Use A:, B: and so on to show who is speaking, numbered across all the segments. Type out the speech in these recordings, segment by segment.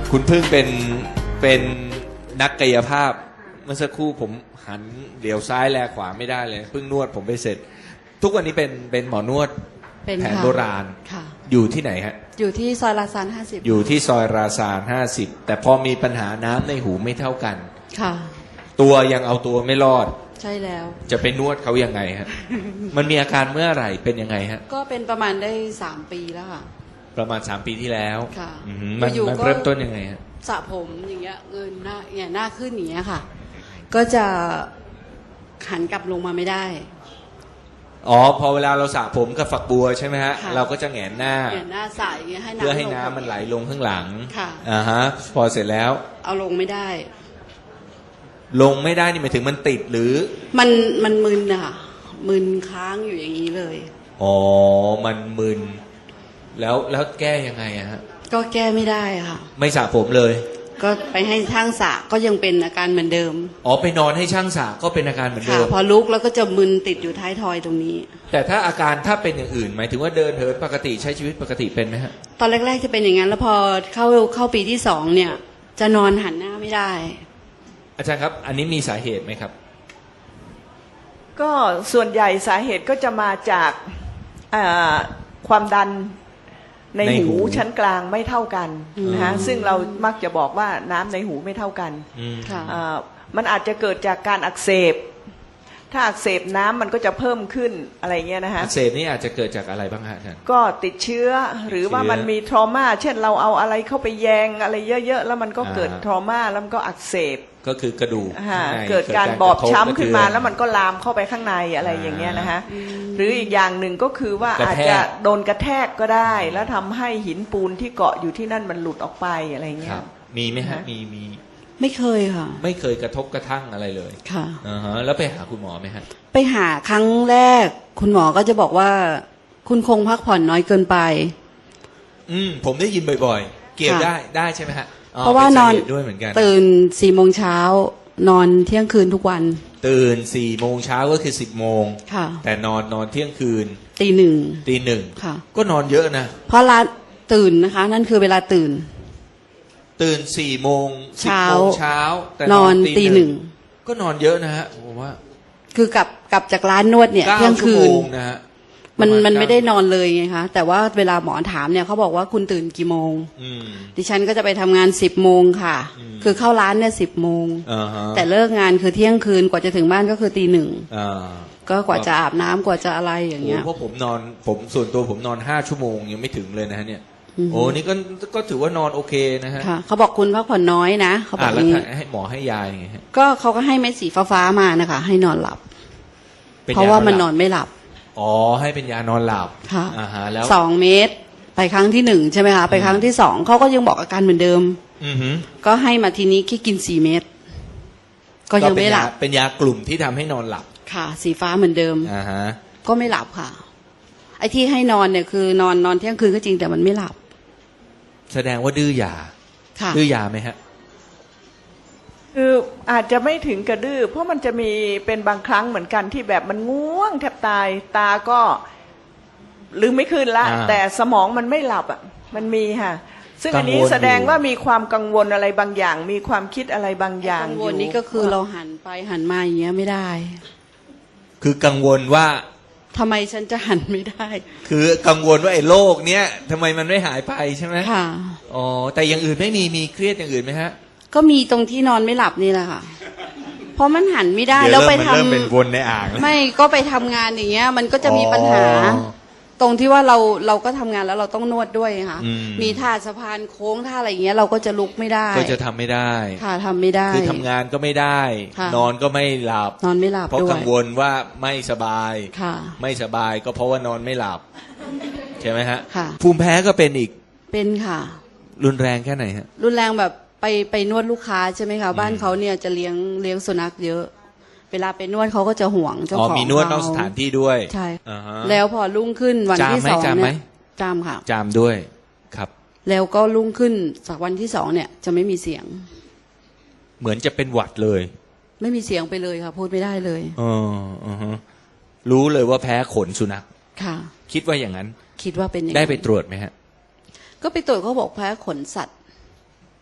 A: คุณพึ่งเป็นนักกายภาพเมื่อสักครู่ผมหันเดี๋ยวซ้ายแลขวาไม่ได้เลยเพิ่งนวดผมไปเสร็จ ทุกวันนี้เป็นหมอนวด
B: เป็น
A: แผน
B: ค่ะ
A: โบราณ
B: ค่ะ
A: อยู่ที่ไหนฮะ
B: อยู่ที่ซอยลาซาน50
A: อยู่ที่ซอยราซาน50แต่พอมีปัญหาน้ำในหูไม่เท่ากัน
B: ค่ะ
A: ตัวยังเอาตัวไม่รอด
B: ใช่แล้ว
A: จะไปนวดเขายังไงฮะ มันมีอาการเมื่อไหร่เป็นยังไงฮะ
B: ก็เป็นประมาณได้3 ปีแล้วค่ะ
A: ประมาณ3 ปีที่แล้ว
B: ค่ะ
A: อืมมัน
B: อยู่ๆ
A: มัน
B: ก็
A: เริ่มต้นยังไงฮะ
B: สระผมอย่างเงี้ยเงินหน้าเนี่ยหน้าขึ้นอย่างเงี้ยค่ะ ก็จะหันกลับลงมาไม่ได้
A: อ๋อพอเวลาเราสระผมกับฝักบัวใช่ไหมฮะ
B: ค่ะ
A: เราก็จะแหงนหน้า
B: เนี่ยหน้าใสอย่างเงี้ยให้น้ำ
A: เพื่อให้
B: ลง
A: น้ำมันไหลลงข้างหลัง
B: ค่ะ
A: อ่าฮะพอเสร็จแล้ว
B: เอาลงไม่ได้
A: ลงไม่ได้นี่หมายถึงมันติดหรือ
B: มันมึนอะค่ะมึนค้างอยู่อย่างนี้เลย
A: อ๋อมันมึนแล้วแก้ยังไงอะฮะ
B: ก็แก้ไม่ได้ค่ะ
A: ไม่สระผมเลย
B: ก็ไปให้ช่างสระก็ยังเป็นอาการเหมือนเดิม
A: อ๋อไปนอนให้ช่างสระก็เป็นอาการเหมือน
B: ค่ะ
A: เดิม
B: พอลุกแล้วก็จะมึนติดอยู่ท้ายทอยตรงนี้
A: แต่ถ้าอาการถ้าเป็นอย่างอื่น หมายถึงว่าเดินเหินปกติใช้ชีวิตปกติเป็นไหมฮะ
B: ตอนแรกๆจะเป็นอย่างนั้น แล้วพอเข้าปีที่2เนี่ย จะนอนหันหน้าไม่ได้
A: อาจารย์ครับ อันนี้มีสาเหตุไหมครับ
C: ก็ส่วนใหญ่สาเหตุก็จะมาจากความดันใน
A: ในหู
C: หูชั้นกลางไม่เท่ากันนะฮะ
B: อืม
C: ซึ่งเรามักจะบอกว่าน้ำในหูไม่เท่ากัน
A: อืม
B: ค่ะ
C: มันอาจจะเกิดจากการอักเสบ ถ้าอักเสบน้ำมันก็จะเพิ่มขึ้นอะไรเงี้ยนะฮะ
A: อักเสบนี่อาจจะเกิดจากอะไรบ้างฮะอาจารย์
C: ก็ติดเชื้อหรือว่า
A: เชื้อ
C: มันมีทรมาเช่นเราเอาอะไรเข้าไปแยงอะไรเยอะๆแล้วมันก็เกิด
A: อ่า
C: ทรมาแล้วมันก็อักเสบ
A: ก็คือกระดูก
C: ฮะ
A: ข้างใน
C: เกิดการบอบช้ำขึ้นมา
A: กระทบกระเทือน
C: แล้วมันก็ลามเข้าไปข้างในอะไรอย่างเงี้ยนะฮะหรืออีกอย่างหนึ่งก็คือว่าก
A: ระแทก
C: อาจจะโดนกระแทกก็ได้ แล้วทำให้หินปูนที่เกาะอยู่ที่นั่นมันหลุดออกไปอะไรเงี้
A: ครั
C: ย
A: บ มีไหมฮะ
C: ฮะ
A: มี
B: ไม่เคยค่ะ
A: ไม่เคยกระทบกระทั่งอะไรเลย
B: ค่ะ
A: อ่าฮะแล้วไปหาคุณหมอไหมฮะ
B: ไปหาครั้งแรก คุณหมอก็จะบอกว่า คุณคงพักผ่อนน้อยเกินไป
A: ผมได้ยินบ่อยๆ เกี่ยว
B: ค่ะ
A: ได้ใช่ไหมฮะอ๋อ
B: เพราะว่า
A: ป็
B: นอน
A: สเหตุด้วยเหมือนกัน
B: ตื่น4 โมงเช้านอนเที่ยงคืนทุกวัน
A: ตื่น4 โมงเช้าก็คือ10 โมง
B: ค่ะ
A: แต่นอนเที่ยงคืน
B: ตี 1
A: ตี 1
B: ค่ะ
A: ก็นอนเยอะนะ
B: เพราะร้านตื่นนะคะ นั่นคือเวลาตื่น
A: ตื่น4 โมง10
B: เช้า
A: โมงเช้าแต่
B: นอนตี 1
A: ก็นอนเยอะนะฮะผมว่า
B: คือกลับจากร้านนวดเนี่ย
A: 9
B: เที่ยง
A: ชั่ว
B: คื
A: โม
B: น
A: งนะฮะ
B: มัน
A: ประาณ
B: ไม่ได้
A: 9
B: นอนเลยไงคะแต่ว่าเวลาหมอถามเนี่ยเขาบอกว่าคุณตื่นกี่โมง
A: อืม
B: ดิฉันก็จะไปทำงาน10 โมงค่ะ
A: อืม
B: คือเข้าร้านเนี่ย10 โมง
A: อ่าฮะ
B: แต่เลิกงานคือเที่ยงคืนกว่าจะถึงบ้านก็คือตี 1
A: อ่า
B: ก็กว่าจะอาบน้ำกว่าจะอะไรอย่างเงี้ย
A: โอ้เพราะผมส่วนตัวผมนอน5 ชั่วโมงยังไม่ถึงเลยนะฮะเนี่ย
B: อืม
A: โอ้นี่ก็ถือว่านอนโอเคนะฮะ
B: ค่ะเขาบอกคุณพักผ่อนน้อยนะเขาบอกอ
A: แล้ว
B: ย่างนี้
A: ให้หมอให้ยายังไงฮะ
B: ก็เขาก็ให้เม็ดสีฟ้าๆมานะคะ ให้นอนหลับ
A: ป็
B: เพราะว่ามัน
A: ย
B: นอนไม่หลับ
A: อ๋อให้เป็นยานอนหลับ
B: ค่ะ
A: อ่าฮะแล้ว
B: 2 เม็ดไปครั้งที่1ใช่ไหมคะไปครั้งที่2เขาก็ยังบอกอาการเหมือนเดิม
A: อือหือ
B: ก็ให้มาทีนี้แค่กิน4 เม็ดก็ยังไม่หลับ
A: เป็นยากลุ่มที่ทำให้นอนหลับ
B: ค่ะ สีฟ้าเหมือนเดิม
A: อ่าฮะ
B: ก็ไม่หลับค่ะ ไอ้ที่ให้นอนเนี่ยคือนอนเที่ยงคืนก็จริงแต่มันไม่หลับ
A: แสดงว่าดื้อยา
B: ค่ะ
A: ดื้อยาไหมฮะ
C: คืออาจจะไม่ถึงกระดื้อเพราะมันจะมีเป็นบางครั้งเหมือนกันที่แบบมันง่วงแทบตายตาก็ลืมไม่ขึ้นละ
A: อ่า
C: แต่สมองมันไม่หลับอ่ะมันมีค่ะ ซึ่งอันนี้
A: กังวลอยู่
C: แสดงว่ามีความกังวลอะไรบางอย่าง มีความคิดอะไรบางอย่าง
B: กัง
C: อ
B: วล
C: ยู่
B: นี่ก็คือเราหันไปหันมาอย่างเงี้ยไม่ได้
A: คือกังวลว่า
B: ทำไมฉันจะหันไม่ได้
A: คือกังวลว่าไอ้โรคเนี้ยทำไมมันไม่หายไปใช่ไหม
B: ค่ะ
A: อ๋อแต่อย่างอื่นไม่มีเครียดอย่างอื่นไหมฮะ
B: ก็มีตรงที่นอนไม่หลับนี่แหละค่ะ เพราะมันหันไม่ได้
A: เดี๋ย
B: แล้วไป
A: มัน
B: ทำ
A: เริ่มเป็นวนในอ่างแล้ว
B: ไม่ก็ไปทำงานอย่างเงี้ย มันก็จะมีปัญหา
A: อ๋อ
B: ตรงที่ว่าเราก็ทำงานแล้วเราต้องนวดด้วยค่ะ
A: อืม
B: มีท่าสะพานโค้งท่าอะไรอย่างเงี้ยเราก็จะลุกไม่ได้
A: ก็จะทำไม่ได้
B: ค่ะทำไม่ได้
A: คือทำงานก็ไม่ได้
B: ค่ะ
A: นอนก็ไม่หลับ
B: นอนไม่หลับ
A: เพราะ
B: ด้วย
A: กังวลว่าไม่สบาย
B: ค่ะ
A: ไม่สบายก็เพราะว่านอนไม่หลับ ใช่ไหมฮะ
B: ค่ะ
A: ภูมิแพ้ก็เป็นอีก
B: เป็นค่ะ
A: รุนแรงแค่ไหนฮะ
B: รุนแรงแบบไปนวดลูกค้าใช่ไหมคะบ้านเขาเนี่ยจะเลี้ยงสุนัขเยอะ เวลาไปนวดเขาก็จะห่วงเจ้า
A: อ๋อ
B: ของ
A: มีนวดนอกสถานที่ด้วย
B: ใช่
A: อ่าฮะ
B: แล้วพอรุ่งขึ้นวันที่
A: จามไหม
B: 2
A: จามไหม
B: เนี่ยจามค่ะ
A: จามด้วยครับ
B: แล้วก็รุ่งขึ้นจากวันที่ 2เนี่ยจะไม่มีเสียง
A: เหมือนจะเป็นหวัดเลย
B: ไม่มีเสียงไปเลยค่ะ พูดไม่ได้เลย
A: อ๋ออ่าฮะรู้เลยว่าแพ้ขนสุนัข
B: ค่ะ
A: คิดว่าอย่างนั้น
B: คิดว่าเป็นอย่าง
A: ได้
B: นั้น
A: ไปตรวจไหมฮะ
B: ก็ไปตรวจเขาบอกแพ้ขนสัตว์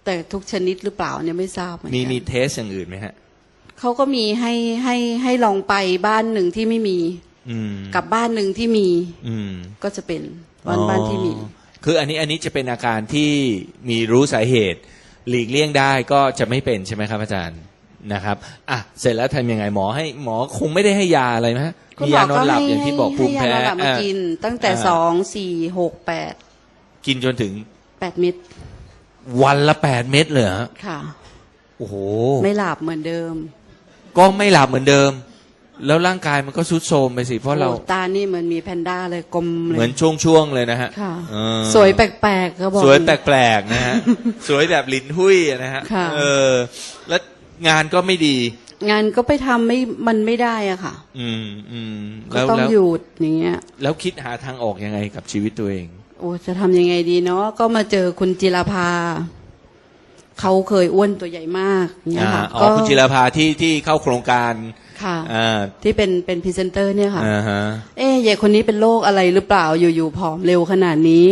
B: แต่ทุกชนิดหรือเปล่าเนี่ยไม่ทราบเหมือนกัน
A: มีเทสอย่างอื่นไหมฮะ
B: เขาก็มีให้ลองไปบ้านหนึ่งที่ไม่มี
A: อืม
B: กับบ้านหนึ่งที่มี
A: อืม
B: ก็จะเป็นบ้านที่มี
A: คืออันนี้จะเป็นอาการที่มีรู้สาเหตุ หลีกเลี่ยงได้ก็จะไม่เป็นใช่ไหมครับอาจารย์นะครับอ่ะเสร็จแล้วทำยังไงหมอคงไม่ได้ให้ยาอะไรไหมฮะ
B: คุณ
A: มี
B: หม
A: ยา
B: อน
A: อนหลับอย่างที่บอกภูมิแพ้
B: ให้ยานอนหลับมากิน ตั้งแต่ 2 4 6
A: กินจนถึง
B: 8 8 เม็ด
A: วันละ8 เม็ดเลยเหรอฮะ
B: ค่ะ
A: โอ้โห
B: ไม่หลับเหมือนเดิม
A: ก็ไม่หลับเหมือนเดิม แล้วร่างกายมันก็ทรุดโทรมไปสิเพราะเรา
B: โอ้ตานี่เหมือนมีแพนด้าเลยกลมเลย
A: เหมือนช่วงๆเลยนะฮะ
B: ค่ะ
A: เออ
B: สวยแปลกๆเขาบอก
A: สวยแปลกๆนะฮะ สวยแบบลิ้นหุ้ยอะนะฮะ
B: ค่ะ
A: แล้วงานก็ไม่ดี
B: งานก็ไปทำมันไม่ได้อะค่ะ
A: อืม
B: ก็ต้องหยุดอย่างเงี้ย
A: แล้วคิดหาทางออกยังไงกับชีวิตตัวเอง
B: โอ้จะทำยังไงดีเนาะก็มาเจอคุณจิรภาเขาเคยอ้วนตัวใหญ่มากเนี่ยค่ะ
A: อ๋อคุณจิรภาที่เข้าโครงการ
B: ค่ะ
A: อ่า
B: ที่เป็นพรีเซนเตอร์เนี่ยค่ะ
A: อ่าฮะ
B: เอ๊ะยายคนนี้เป็นโรคอะไรหรือเปล่าอยู่ๆผอมเร็วขนาดนี้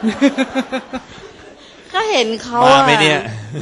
B: ก็เห็นเขา
A: มา
B: อะ
A: ไหมเนี่ย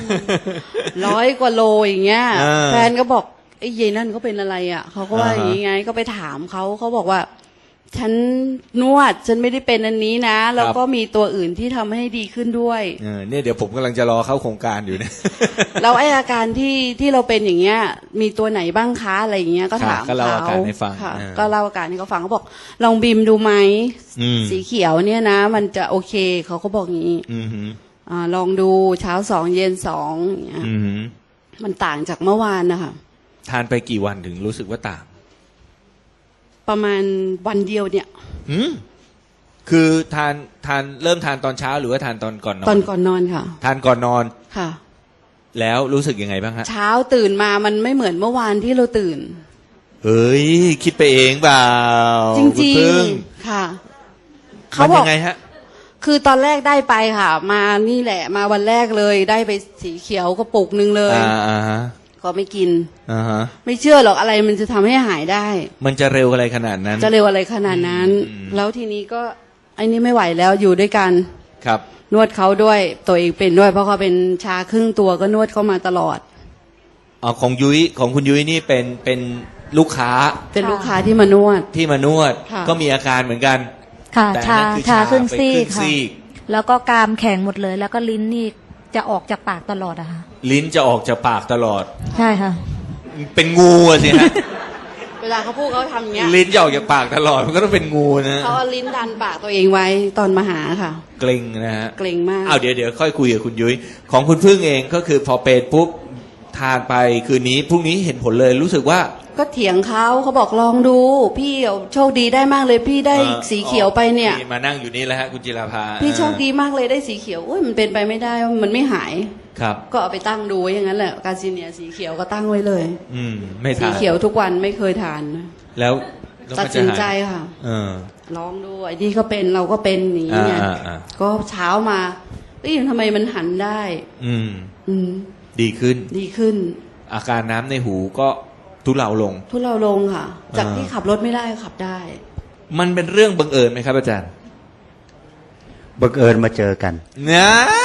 B: 100 กว่าโลอย่างเงี้ย
A: อ่า
B: แฟนก็บอกไอ้ยายนั่นเขาเป็นอะไรอ่ะเขาก็ว่า
A: อ่าฮะ
B: อย่างงี้ไงก็ไปถามเขาบอกว่า ฉันนวดฉันไม่ได้เป็นอันนี้นะแล้วก็มีตัวอื่นที่ทำให้ดีขึ้นด้วย
A: เนี่ยเดี๋ยวผมกำลังจะรอเข้าโครงการอยู่เนี่ย
B: แล้วไอ้อาการที่เราเป็นอย่างเงี้ย มีตัวไหนบ้างคะอะไรอย่างเงี้ยก็ถาม
A: ก็เล่าอาการให้ฟัง
B: ค่ะ
A: อ่า
B: ก็เล่าอาการให้เขาฟังเขาบอกลองบีมดูไหม
A: อืม
B: สีเขียวเนี่ยนะ มันจะโอเคเขาก็บอกอย่างนี้
A: อืมฮึ
B: ลองดูเช้า2 เย็น2อย่างเงี้ย
A: อืมฮึ
B: มันต่างจากเมื่อวานนะคะ
A: ทานไปกี่วันถึงรู้สึกว่าต่าง
B: ประมาณวันเดียวเนี่ย
A: อืมคือทานเริ่มทานตอนเช้าหรือว่าทานตอนก่อนนอน
B: ตอนก่อนนอนค่ะ
A: ทานก่อนนอน
B: ค่ะ
A: แล้วรู้สึกยังไงบ้างฮะ
B: เช้าตื่นมามันไม่เหมือนเมื่อวานที่เราตื่น
A: เฮ้ยคิดไปเองเปล่า
B: จ
A: คุณ
B: ริง
A: พึ่ง
B: ๆค่ะ
A: มัน
B: บ
A: ยั
B: อก
A: งไงฮะ
B: คือตอนแรกได้ไปค่ะ มานี่แหละ มาวันแรกเลยได้ไปสีเขียวกระปุกนึงเลย
A: อ่าฮะ
B: ก็ไม่กิน
A: อ่าฮะ
B: ไม่เชื่อหรอกอะไรมันจะทำให้หายได้
A: มันจะเร็วอะไรขนาดนั้น
B: จะเร็วอะไรขนาดนั้น
A: อืม
B: แล้วทีนี้ก็ไอ้นี่ไม่ไหวแล้วอยู่ด้วยกัน
A: ครับ
B: นวดเขาด้วยตัวเองเป็นด้วยเพราะเขาเป็นชาครึ่งตัวก็นวดเขามาตลอด
A: อ๋อของคุณยุ้ยนี่เป็นลูกค้า
B: เป็นลูกค้าที่มานวด
A: ที่มานวด
B: ค่ะ
A: ก็มีอาการเหมือนกัน
D: ค่ะ
A: แต่
D: ชา
A: นั่นคือ
D: ชาครึ่ง
A: ไป
D: ซี
A: ครึ่
D: ก
A: ง
D: ค่ะ
A: ซีก
D: แล้วก็กรามแข็งหมดเลย แล้วก็ลิ้นนี่จะออกจากปากตลอดอะค่ะ
A: ลิ้นจะออกจากปากตลอด
D: ใช่ค่ะ
A: เป็นงูอะสิฮะ
B: เวลาเขาพูดเขาทำอย่างเงี้ย
A: ลิ้นจะออกจากปากตลอดมันก็ต้องเป็นงูนะ
B: เขาเอาลิ้นดันปากตัวเองไว้ตอนมาหาค่ะ
A: เกร็งนะฮะ
B: เกรงมาก
A: เอาเดี๋ยวค่อยคุยกับคุณยุ้ยของคุณพึ่งเองก็คือพอเป็นปุ๊บทานไปคืนนี้พรุ่งนี้เห็นผลเลยรู้สึกว่า
B: ก็เถียงเขาบอกลองดู พี่โชคดีได้มากเลยพี่ได้สีเขียวไปเนี่ย
A: มานั่งอยู่นี่แล้วฮะคุณจิราภา
B: พี่โชคดีมากเลยได้สีเขียวอุ้ยมันเป็นไปไม่ได้มันไม่หาย
A: ครับ
B: ก็เอาไปตั้งดูไว้อย่างนั้นแหละกาซิเนียสีเขียวก็ตั้งไว้เลย
A: ไม่
B: สี
A: ทาน
B: เขียวทุกวันไม่เคยทานนะ
A: แล้ว
B: ตัดสินใจค่ะ
A: เออ
B: ลองดูไอ้นี่ก็เป็นเราก็เป็นอย่างนี้เนี่ย
A: อ่า
B: ก็เช้ามาเอ้ยทำไมมันหันได้
A: อืม
B: อืม
A: ดีขึ้น
B: ดีขึ้น
A: อาการน้ำในหูก็ทุเลาลง
B: ทุเราลงค่ะ จาก
A: อ่า
B: ที่ขับรถไม่ได้ขับได้
A: มันเป็นเรื่องบังเอิญไหมครับอาจารย์
E: บังเอิญมาเจอกัน
A: นะ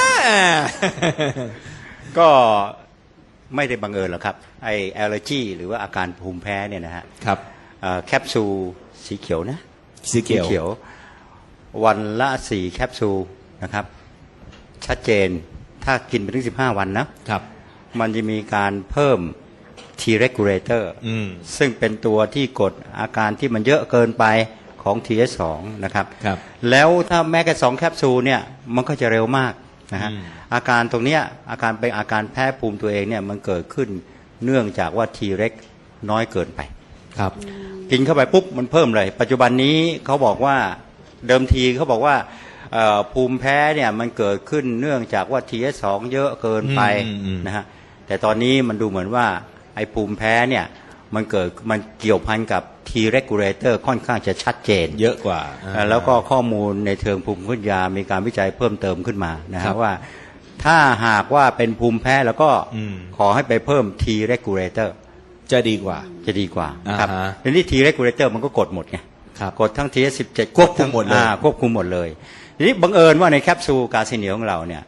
E: ก็ไม่ได้บังเอิญหรอกครับไอแอลเลอร์จีหรือว่าอาการภูมิแพ้เนี่ยนะฮะ
A: ครับ
E: แคปซูลสีเขียวนะ
A: สีเขียว
E: วันละ4แคปซูลนะครับ ชัดเจนถ้ากินไปถึง15 วันนะครับ มันจะมีการเพิ่ม T regulator ซึ่งเป็นตัวที่กดอาการที่มันเยอะเกินไปของ TS2 นะครับ
A: ครับ
E: แล้วถ้าแม้แต่2แคปซูลเนี่ยมันก็จะเร็วมากนะฮะ อาการตรงเนี้ยอาการเป็นอาการแพ้ภูมิตัวเองเนี่ยมันเกิดขึ้นเนื่องจากว่า T reg น้อยเกินไป
A: ครับ
E: กินเข้าไปปุ๊บมันเพิ่มเลย ปัจจุบันนี้เขาบอกว่าเดิมทีเขาบอกว่าภูมิแพ้เนี่ยมันเกิดขึ้นเนื่องจากว่า TS2 เยอะเกินไปนะฮะแต่ตอนนี้มันดูเหมือนว่าไอ้ภูมิแพ้เนี่ยมันเกี่ยวพันกับ T regulator ค่อนข้างจะชัดเจน
A: เยอะกว่า
E: แล้วก็ข้อมูลในเชิงภูมิคุ้มกันยามีการวิจัยเพิ่มเติมขึ้นมานะ
A: ครั
E: ฮะ
A: บ
E: ว่าถ้าหากว่าเป็นภูมิแพ้แล้วก็ ขอให้ไปเพิ่ม T regulator
A: จะดีกว่า
E: จะดีกว่านะครับ
A: อ่าฮะ
E: ทีนี้ T regulator มันก็กดหมดไง
A: ครับ
E: กดทั้ง T17
A: ควบคุมหมดเลย
E: ควบคุมหมดเลยทีนี้บังเอิญว่าในแคปซูลกาซิเนียของเราเนี่ยจ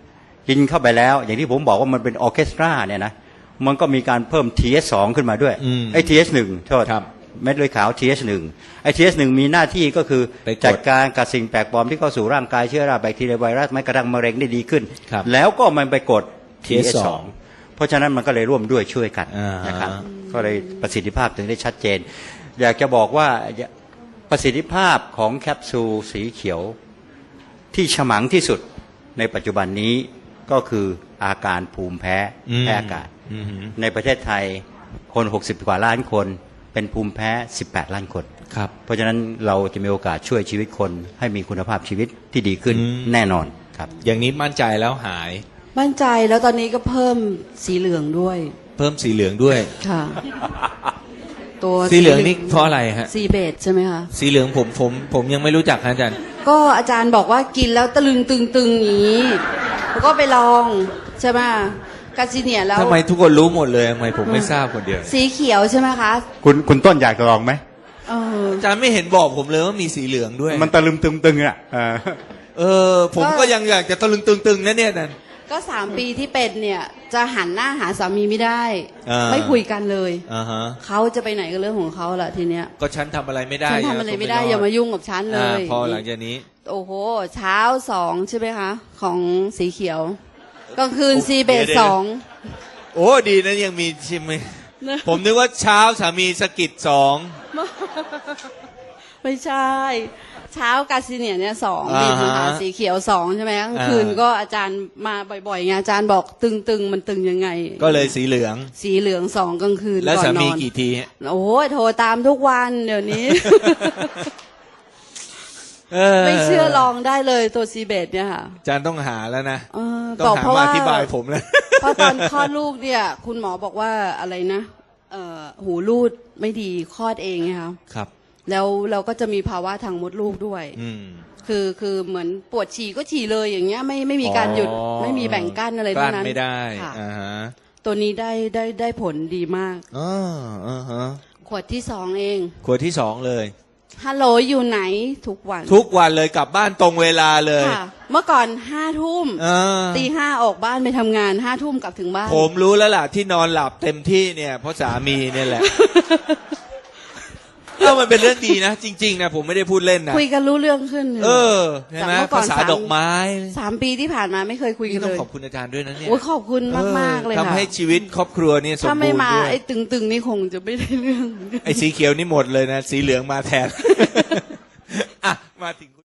E: กินเข้าไปแล้ว อย่างที่ผมบอกว่ามันเป็นออร์เคสตราเนี่ยนะมันก็มีการเพิ่ม TH2 ขึ้นมาด้วยไอ้ TH1 โทษเม็ดเลือดขาว TH1 ไอ้ TH1 มีหน้าที่ก็คือจัดการกับสิ่งแปลกปลอมที่เข้าสู่ร่างกายเชื้อราแบคทีเรียไวรัสแม้กระทั่งมะเร็งได้ดีขึ้นแล้วก็มันไปกด TH2 เพราะฉะนั้นมันก็เลยร่วมด้วยช่วยกันนะครับก็เลยประสิทธิภาพถึงได้ชัดเจนอยากจะบอกว่าประสิทธิภาพของแคปซูลสีเขียวที่ฉมังที่สุดในปัจจุบันนี้ก็คืออาการภูมิแพ้อากาศในประเทศไทยคน60กว่าล้านคนเป็นภูมิแพ้18ล้านคน
A: ครับ
E: เพราะฉะนั้นเราจะมีโอกาสช่วยชีวิตคนให้มีคุณภาพชีวิตที่ดีขึ้นแน่นอนครับ
A: อย่างนี้มั่นใจแล้วหาย
B: มั่นใจแล้วตอนนี้ก็เพิ่มสีเหลืองด้วย
A: เพิ่มสีเหลืองด้วย
B: ค่ะตัว
A: สีเหลืองนี่เพราะอะไรฮะ
B: สีเบจใช่ไหมคะ
A: สีเหลืองผมยังไม่รู้จักอาจารย์
B: ก็อาจารย์บอกว่ากินแล้วตะลึงตึงอย่างนี้แล้วก็ไปลองใช่ไหมกาซิเนียแล้ว
A: ทำไมทุกคนรู้หมดเลยทำไมผมไม่ทราบคนเดียว
B: สีเขียวใช่ไหมคะ
E: คุณต้นอยากจะลองไหม
A: อาจารย์ไม่เห็นบอกผมเลยว่ามีสีเหลืองด้วย
E: มันตะลึงตึงอ่ะ
A: ผมก็ยังอยากจะตะลึงตึงนะเนี่ยนั่น
B: ก็3 ปีที่เป็นเนี่ยจะหันหน้าหาสามีไม่ได้ไม่คุยกันเลยเขาจะไปไหนก็เรื่องของเขาแหละทีเนี้ย
A: ก็ฉันทำอะไรไม่ได้
B: ฉันทำอะไรไม่ได้อย่ามายุ่งกับฉันเลย
A: พอหลังจากนี้
B: โอ้โหเช้า2ใช่ไหมคะของสีเขียวกลางคืนซีเบส2
A: โอ้ดีนะยังมีชิมผมนึกว่าเช้าสามีสกิด2
B: ไม่ใช่เช้ากาซิเนียเนี่ย2นี่ค่ะสีเขียว2ใช่ไหมกลางคืนก็อาจารย์มาบ่อยๆไงอาจารย์บอกตึงมันตึงยังไง
A: ก็เลยสีเหลือง
B: 2กลางคืน
A: แล้วสามีกี่ที
B: โอ้โทรตามทุกวันเดี๋ยวนี้ไม่เชื่อลองได้เลยตัวซีเบตเนี่ยค่ะ
A: อาจารย์ต้องหาแล้วนะ
B: ต้องหา
A: มาอธิบายผมแล้ว
B: เพราะตอนคลอดลูกเนี่ยคุณหมอบอกว่าอะไรนะหูรูดไม่ดีคลอดเองไงคะ
A: ครับ
B: แล้วเราก็จะมีภาวะทางมดลูกด้วยคือเหมือนปวดฉี่ก็ฉี่เลยอย่างเงี้ยไม่มีการหยุดไม่มีแบ่งกั้นอะไรทั้งนั้น
A: ไม่ได้
B: ตัวนี้ได้ผลดีมากขวดที่2เอง
A: ขวดที่2เลย
B: ฮัลโหลอยู่ไหนทุก
A: วันเลยกลับบ้านตรงเวลาเลย
B: เมื่อก่อน5 ทุ่มตี 5ออกบ้านไปทำงาน5 ทุ่มกลับถึงบ้าน
A: ผมรู้แล้วล่ะที่นอนหลับเต็มที่เนี่ยเพราะสามีเนี่ยแหละมันเป็นเรื่องดีนะจริงๆนะผมไม่ได้พูดเล่นนะ
B: คุยกันรู้เรื่องขึ้น
A: ใช่ไหมภาษาดอกไม้
B: 3 ปีที่ผ่านมาไม่เคยคุยกันเลย
A: ต้องขอบคุณอาจารย์ด้วยนะเนี่ย
B: ขอบคุณมากๆเลยค่ะ
A: ทำให้ชีวิตครอบครัวเนี่ยสมบูรณ์ด้วยถ้า
B: ไม่มาไอ้ตึงนี่คงจะไม่ได้เรื่อง
A: ไอ้สีเขียวนี่หมดเลยนะสีเหลืองมาแทนอ่ะมาถึง